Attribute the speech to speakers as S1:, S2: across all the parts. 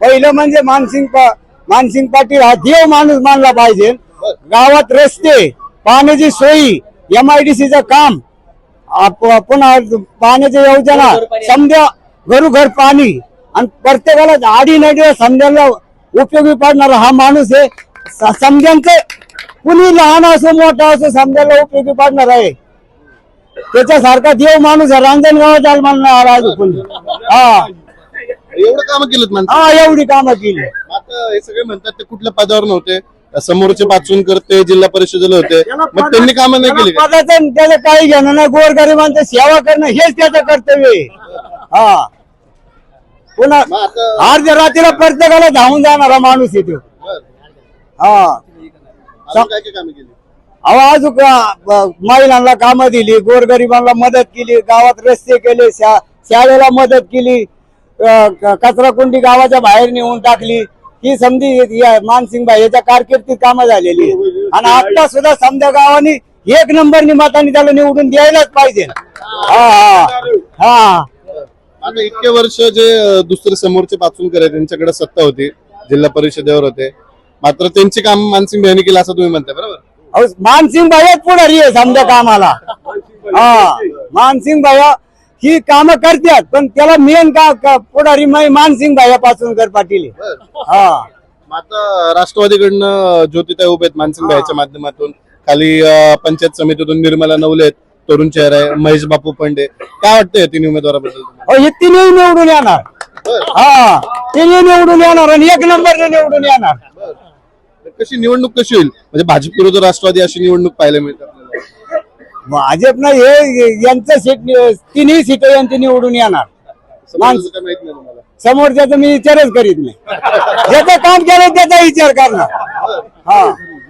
S1: पहिलं म्हणजे मानसिंग पाटील हा देव माणूस मानला पाहिजे। गावात रस्ते, पाण्याची सोयी, MIDCचं काम, पुन्हा पाण्याच्या योजना, समजा घरोघर पाणी आणि प्रत्येकाला आडी नडी समजायला उपयोगी पडणारा हा माणूस आहे। समजांचं कुणी लहान असो मोठा असो समजायला उपयोगी पडणार आहे। त्याच्यासारखा देव माणूस रांजणगावात हा
S2: एवढं काम केलं माणसं,
S1: हा एवढी कामं केली।
S2: आता हे सगळे म्हणतात ते कुठल्या पदावर नव्हते, समोरचे पाचून करते, जिल्हा परिषदेला होते, मग त्यांनी कामं नाही केली का?
S1: पदाचं त्याला काही घेणं नाही, गोरगरिबांचं सेवा करणं हेच त्याचं कर्तव्य आहे। हा पुन्हा
S2: मग आता
S1: अर्ध्या रात्रीला प्रत्येकाला धावून जाणारा माणूस येतो। हा
S2: अजून काय काय कामं केली?
S1: आवाज महिलांना कामं दिली, गोरगरिबांना मदत केली, गावात रस्ते केले, शाळेला मदत केली, कचरा कुंडी गावाच्या बाहेर नेऊन टाकली। ही समजी मानसिंग भाई याच्या कारकिर्दीत कामं झालेली आहे। आणि आता सुद्धा समजा गावानी 1 नंबरनी मतांनी त्याला निवडून द्यायलाच पाहिजे। हा हा हा
S2: आता इतके वर्ष जे दुसरे समोरचे पाचूनकर आहेत त्यांच्याकडे सत्ता होती, जिल्हा परिषदेवर होते, मात्र त्यांची काम मानसिंग भाईंनी केलं असं तुम्ही म्हणताय, बरोबर?
S1: मानसिंग भाई पुढारी आहे समजा कामाला। हा मानसिंग भाई ही कामं करतात, पण त्याला मेन का पुढारी मानसिंग भाई पाचूनकर पाटील आहे। हा
S2: आता राष्ट्रवादीकडनं ज्योतिताई उभे आहेत मानसिंग भाईच्या माध्यमातून, खाली पंचायत समितीतून निर्मला नवले आहेत, तरुण चेहरा आहे, महेश बापू पंडे, काय वाटतंय तिन्ही उमेदवाराबद्दल?
S1: हे तिन्ही निवडून येणार। हा तिन्ही निवडून येणार आणि 1 नंबरने निवडून येणार।
S2: कशी निवडणूक कशी होईल, म्हणजे भाजप विरुद्ध राष्ट्रवादी अशी निवडणूक पाहायला मिळते आपल्याला?
S1: भाजपनं हे यांचं सीट तिन्ही सीट यांची निवडून येणार।
S2: समोरचं काय माहित नाही तुम्हाला?
S1: समोरच्याचा मी विचारच करीत नाही, ज्याचं काम केलं त्याचा विचार करणार। हा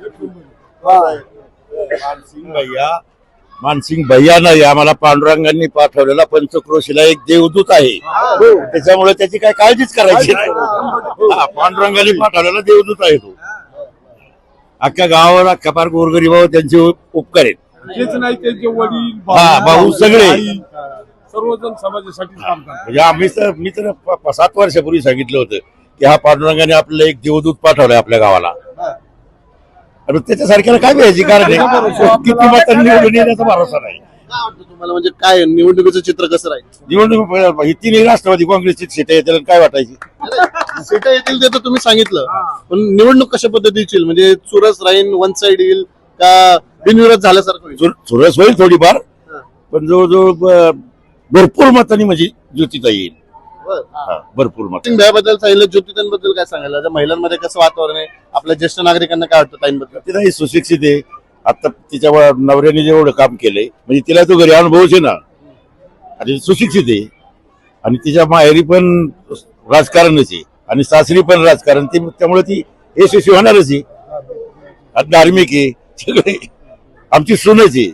S3: मानसिंग भैया नाही, आम्हाला पांडुरंगांनी पाठवलेला पंचक्रोशीला एक देवदूत आहे, त्याच्यामुळे त्याची काय काळजीच करायची नाही। पांडुरंगांनी पाठवलेला देवदूत आहे तो। अख्ख्या गावावर अख्ख्या पार गोरगरीबावर त्यांचे उपकार आहेत।
S4: तेच नाही त्यांचे वडील
S3: भाऊ सगळे
S4: सर्वजण समाजासाठी काम करतात।
S3: म्हणजे मी तर 7 वर्षापूर्वी सांगितलं होतं की हा पांडुरंगाने आपल्याला एक देवदूत पाठवलाय आपल्या गावाला, आणि त्याच्यासारख्याला काय पाहिजे, कारण किती मतांनी निवडून येण्याचा भरोसा नाही।
S2: काय वाटतं तुम्हाला, म्हणजे काय निवडणुकीचं चित्र कसं राहील?
S3: निवडणूक ही तिन्ही राष्ट्रवादी काँग्रेसची सीट आहे, त्याला काय वाटायची?
S2: सीट येतील ते तर तुम्ही सांगितलं, पण निवडणूक कशा पद्धतीची, म्हणजे चुरस राहील, वन साइड येईल का बिनविरोध झाल्यासारखं होईल?
S3: चुरस होईल थोडीफार, पण जवळजवळ भरपूर मतांनी म्हणजे ज्योतिताई येईल। भरपूर मत
S2: बद्दल सांगितलं, ज्योतिताईंबद्दल काय सांगायला? महिलांमध्ये कसं वातावरण आहे, आपल्या ज्येष्ठ नागरिकांना काय वाटतं ताईंबद्दल?
S3: तिलाही सुशिक्षित आहे, आता तिच्या नवऱ्याने जेवढं काम केलंय म्हणजे तिला तो घरी अनुभवच आहे ना, आणि सुशिक्षित आहे, आणि तिच्या माहेरी पण राजकारणच आहे आणि सासरी पण राजकारण, त्यामुळे ती यशस्वी होणारच आहे। धार्मिक आहे, सगळे आमची सूनच आहे।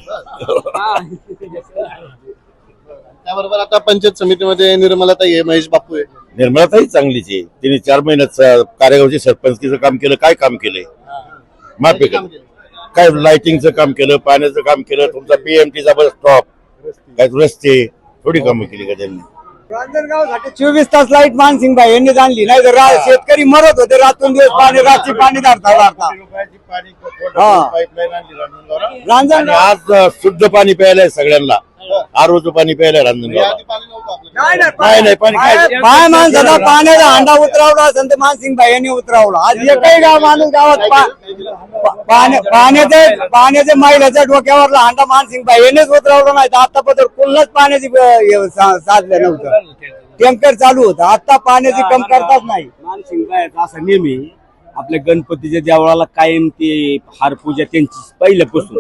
S2: त्याबरोबर आता पंचायत समितीमध्ये निर्मलाताई आहे, महेश बापू आहे।
S3: निर्मलाताई चांगलीच आहे, तिने 4 महिन्यात कार्यगावचे सरपंचकीचं काम केलं, काय काम केलंय? माफी काय लाइटिंगचं काम केलं, पाण्याचं काम केलं, तुमचा PMTचा बस स्टॉप, काय रस्ते, थोडी कामं केली का त्यांनी?
S1: रांजणगावसाठी 24 तास लाईट मानसिंग भाई यांनी आणली, नाही तर शेतकरी मरत होते रातून दिवस पाणी, रात्री पाणी धरता रांजणगाव।
S3: आज शुद्ध पाणी प्यायलंय सगळ्यांना, ROचं पाणी प्यायलंय रांजणगावला। नाही पाणी
S1: काय माणसाला पाण्याचा हांडा उतरावला असेल तर मानसिंग भाई यांनी उतरावला। आज एकही गाव माणूस गावात पाण्याच्या महिलाच्या डोक्यावरला हांडा मानसिंग भाई यांनीच उतरावला, नाही तर आतापर्यंत कुठलंच पाण्याची साधलं नव्हतं, टँकर चालू होतं, आता पाण्याची कमतरताच नाही।
S5: मानसिंग भाईचा असा नेहमी आपल्या गणपतीच्या देवळाला कायम ते हार पूजा त्यांची पहिल्यापासून,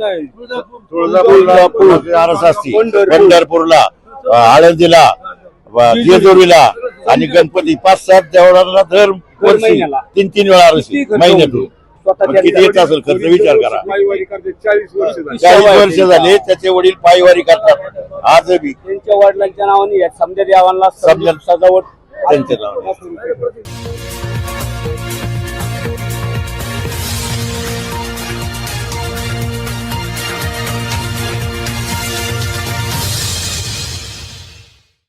S3: पंढरपूरला, आळंदीला, जेजुरीला आणि गणपती 5-7 देवळाला दर वर्षी 3-3 वेळा महिन्यातून किती येत असेल खर्च विचार करा। 40 वर्ष झाले त्याचे वडील पायवारी करतात आजही,
S5: त्यांच्या वडिलांच्या नावाने समजा देवांना सजावट
S3: त्यांच्या नावाने।